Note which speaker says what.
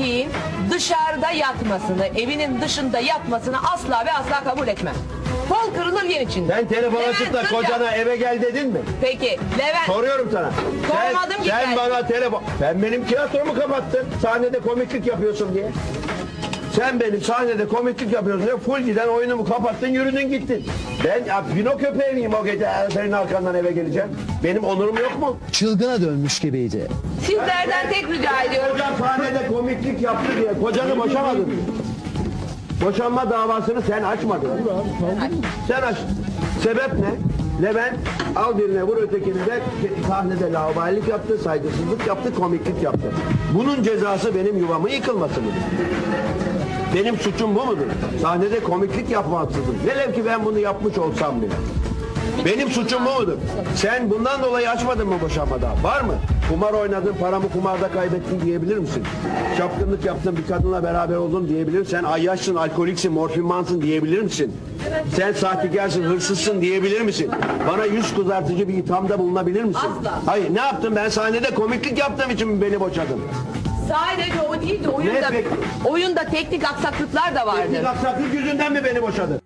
Speaker 1: erkeğin dışarıda yatmasını, evinin dışında yatmasını asla ve asla kabul etmem. Kol kırılır yen içinde.
Speaker 2: Sen telefon
Speaker 1: Levent,
Speaker 2: açıp da
Speaker 1: dur ya.
Speaker 2: kocana eve gel dedin mi?
Speaker 1: Peki Levent.
Speaker 2: Soruyorum sana.
Speaker 1: Sormadım ki
Speaker 2: Sen
Speaker 1: ben.
Speaker 2: bana telefon... Sen benim tiyatromu kapattın. Sahnede komiklik yapıyorsun diye. Sen benim sahnede komiklik yapıyorsun diye full giden oyunumu kapattın, yürüdün gittin. Ben ya, Pino köpeği miyim o gece senin arkandan eve geleceğim? Benim onurum yok mu?
Speaker 3: Çılgına dönmüş gibiydi.
Speaker 1: Sizlerden tek rica ediyorum.
Speaker 2: Kocan sahnede komiklik yaptı diye kocanı boşamadın. Boşanma davasını sen açmadın. Sen aç. Sebep ne? Levent al birine vur ötekini de sahnede laubalilik yaptı, saygısızlık yaptı, komiklik yaptı. Bunun cezası benim yuvamın yıkılması mıdır? Benim suçum bu mudur? Sahnede komiklik yapmaksızım. Velev ki ben bunu yapmış olsam bile. Benim suçum bu mudur? Sen bundan dolayı açmadın mı boşanma davası? Var mı? Kumar oynadın, paramı kumarda kaybettin diyebilir misin? Çapkınlık yaptın, bir kadınla beraber oldun diyebilir misin? Sen ayyaşsın, alkoliksin, morfinmansın diyebilir misin? Sen sahtekarsın, hırsızsın diyebilir misin? Bana yüz kızartıcı bir ithamda bulunabilir misin?
Speaker 1: Asla.
Speaker 2: Hayır, ne yaptım? Ben sahnede komiklik yaptığım için mi beni boşadın?
Speaker 1: Sadece o değil de oyunda,
Speaker 2: Ne peki?
Speaker 1: oyunda teknik aksaklıklar da vardır.
Speaker 2: Teknik aksaklık yüzünden mi beni boşadın?